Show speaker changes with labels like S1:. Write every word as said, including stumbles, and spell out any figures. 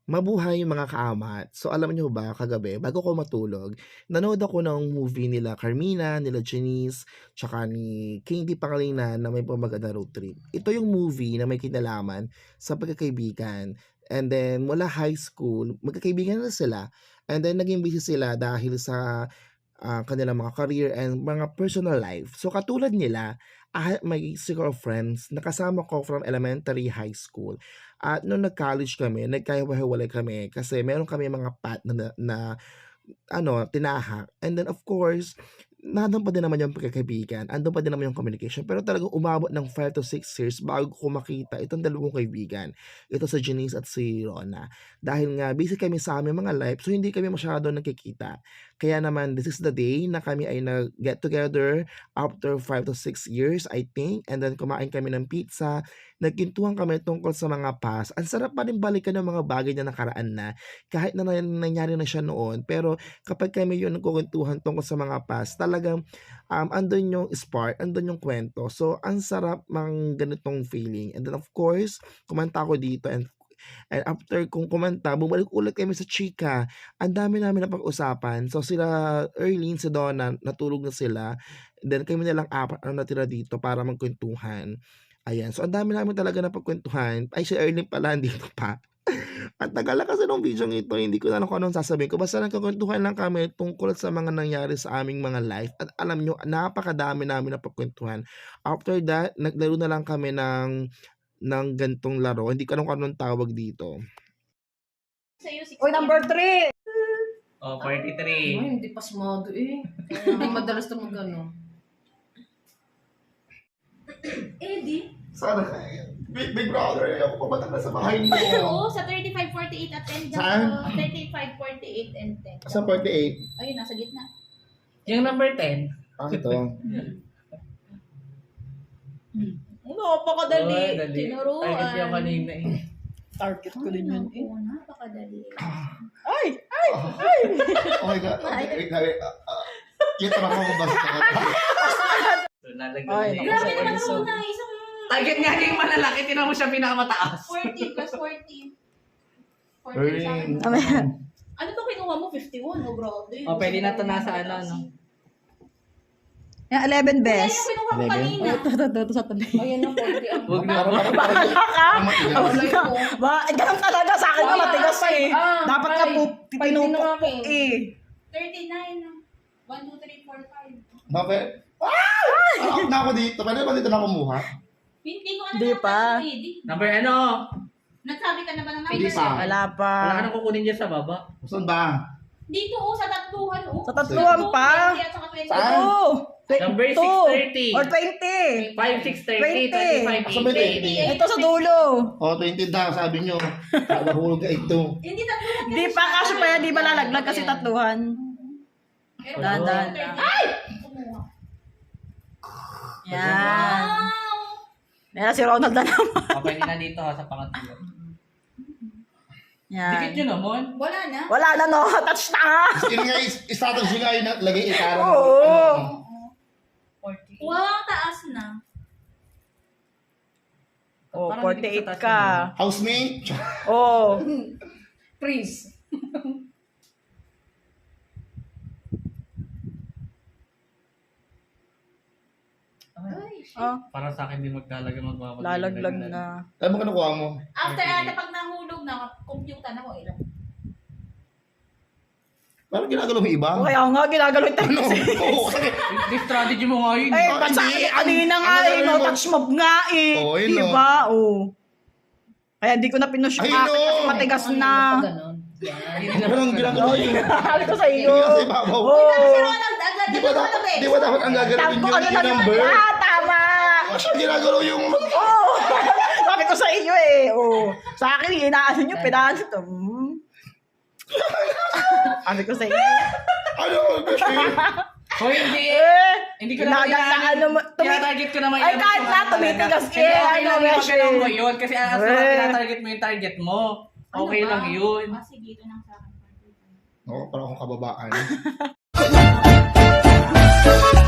S1: Mabuhay mga kaamat. So alam niyo ba kagabi bago ko matulog, nanood ako ng movie nila Carmina, nila Janice, tsaka ni Candy Pangilinan na may pamaganda road trip. Ito yung movie na may kinalaman sa pagkakaibigan. And then mula high school, magkakaibigan na sila. And then naging busy sila dahil sa ah, kanilang mga career and mga personal life. So katulad nila, ah, may circle of friends na kasama ko from elementary, high school. At nung nag-college kami, nagkahiwa-hiwalay kami kasi meron kami mga path na, na, na ano, tinahak. And then of course, nandun pa din naman yung pagkakaibigan, andun pa din naman yung communication. Pero talagang umabot ng five to six years bago ko makita itong dalawang kaibigan. Ito sa Janice at si Rona. Dahil nga, busy kami sa aming mga life, so hindi kami masyado nagkikita. Kaya naman, this is the day na kami ay nag-get together after five to six years, I think. And then kumain kami ng pizza, nagkintuhan kami tungkol sa mga past. Ang sarap pa rin balikan ng mga bagay na nakaraan na, kahit na nangyari na siya noon. Pero kapag kami yun nagkukuntuhan tungkol sa mga past, talagang um, andun yung spark, andun yung kwento. So, ang sarap mang ganitong feeling. And then of course, kumanta ako dito and And after kung kumanta, bumalik ulit kami sa chika. Ang dami namin na pag-usapan. So sila, Erlene, si Donna, natulog na sila. Then kami na lang apat ang natira dito para magkwentuhan. Ayan. So ang dami namin talaga na pagkwentuhan. Ay, si Erlene pala, dito pa. At tagal na kasi nung video ito, hindi ko na alam kung anong sasabihin ko. Basta nagkakwentuhan lang kami tungkol sa mga nangyari sa aming mga life. At alam nyo, napakadami namin na pagkwentuhan. After that, naglaro na lang kami ng ng gantong laro. Hindi ko alam kung anong tawag dito.
S2: Oy, number three!
S3: Oh, forty-three.
S2: Ay, hindi pasmado eh. Hindi madalas na mag-ano.
S4: Eddie?
S1: Sana kaya. Big, big brother, ako pumatang na sa bahay niyo.
S4: Oo, sa thirty-five forty-eight at ten.
S1: Saan?
S4: thirty-five forty-eight and ten.
S1: Sa forty-eight.
S4: Ayun, nasa gitna.
S3: Yung number ten.
S1: Ah, ito.
S4: Ano, napakadali.
S3: Oh, dali.
S4: Tinuruan.
S3: Target yung kanina eh.
S2: Target ko din yun eh.
S4: Oo, napakadali.
S2: Ay! Ay!
S1: Oh my God. Okay, wait, wait. Uh, uh, Kita na ako basta.
S3: So, nalagyan
S2: Ay,
S3: na
S2: naku,
S4: Grabe
S2: sa
S4: naman
S2: Enzo.
S4: ako na isang
S3: Target nga yung malalaki, tinan mo siya pinakamataas.
S4: forty plus forty. forty
S1: Erling.
S4: sa akin.
S2: Amen.
S4: Ano to kinuha mo? fifty-one? Oh, bro.
S3: O, pwede na to nasa ano, no?
S2: Yung eleven
S4: Yan
S2: best.
S4: yung kinuha ko
S1: Eleven?
S4: kanina.
S2: Ito, ito, ito, ito sa tabi.
S4: Ayun na, forty ang
S3: Huwag na.
S1: Parang parang parang.
S2: Baka ka! Ba, eh, ganun talaga sa akin na matigas eh.
S4: Ah,
S2: Dapat ka
S4: five.
S2: po,
S4: Five
S2: tinupok
S4: din ang
S2: eh.
S4: thirty-nine. one, two, three, four, five.
S1: Bakit? Ah! Out na ako dito. Pwede ba dito na kumuha?
S4: Hindi ko ano
S2: Hindi
S4: na
S2: pa.
S4: kasi Eddie.
S3: Number ano?
S4: Nagsabi ka na ba ng number?
S1: Hindi pa.
S2: Wala pa.
S3: Wala ka nang kukunin dyan sa baba.
S1: Saan ba?
S4: Dito oh, sa tatluhan oh.
S2: Sa tatluhan pa?
S4: twenty at saka twenty.
S1: Saan?
S2: Oo.
S3: Number
S2: Two.
S3: six thirty.
S2: Or twenty.
S3: five, six, thirty,
S2: twenty.
S3: twenty-five,
S1: Asa ba
S3: eighty.
S1: twenty?
S2: Ito sa dulo.
S1: Oh, twenty daw, sabi nyo. Nahulog ka ito.
S4: Hindi tatluhan.
S2: Di pa kasi pa yan, di ba lalaglag kasi tatluhan.
S4: Pero
S2: Dahan, dahan.
S4: thirty. Ay! Kumuha.
S2: Yan.
S4: Wow!
S2: Yan si Ronald na naman.
S3: O, pwede na dito ha, sa pangatlo. Dikit
S2: Yan.
S3: yun naman.
S4: Wala na.
S2: Wala na no, touch na nga.
S1: Yun nga, strategy nga yun, lagay itarang.
S2: Oo.
S3: forty.
S4: Wow, taas na.
S2: Oh,
S3: Parang
S2: forty-eight
S3: dikit sa taas
S2: ka.
S1: Housemate?
S2: Oh.
S4: Freeze. Ay, shit.
S2: Oh,
S3: Para sa akin, di maglalagay magmamagay.
S2: lalaglag na.
S1: Alam mo ka nakuha mo?
S4: After ata pag nahulog na, computer na ko ilan.
S1: Parang ginagalaw mo iba.
S2: O kaya nga, ginagalaw yung
S1: Ano?
S2: text.
S1: Oo, kasi
S3: Di strategy mo nga yun.
S2: Eh,
S1: Ah,
S2: ba't sa
S1: hindi.
S2: akin kanina nga
S1: Ano
S2: eh,
S1: gagawin
S2: no
S1: mo?
S2: touch mob nga eh.
S1: Oo, yun, no.
S2: Diba? Oo. Kaya di ko na pinush yung
S1: Ay,
S2: akin
S1: no.
S2: kasi matigas na.
S4: Ganon.
S1: parang ginagalaw yun.
S2: Sabi ko sa iyo.
S1: Hindi kasi babaw.
S2: Oo.
S4: Kasi Ronald, agad
S1: Di ba dapat, di ba dapat ang gagalawin
S2: Sabi ko
S1: yung
S2: ano na
S1: yung number?
S2: Ah, tama.
S1: Kasi ginagalaw yung...
S2: Oo. Sabi ko sa iyo eh. Oo. Sa akin, inaano nyo, pinaano to. Hmm. Sabi ko sa iyo.
S1: Ano? Kasi...
S3: O, hindi.
S2: Eh,
S3: Hindi ko naman
S2: ginagaan naman. Tumi-
S3: Tinatarget ko naman
S2: Ay,
S3: yung
S2: kahit
S3: mas
S2: na,
S3: mahalaga.
S2: tumitigas
S3: Hindi,
S2: eh,
S3: okay
S2: ano,
S3: lang yung
S2: Beshi.
S3: magalaw mo yun. Kasi as long as
S2: Eh.
S3: tinatarget mo yung target mo, okay lang yun.
S4: Ah, sige, ito lang sa akin.
S1: Oo, parang akong kababaan.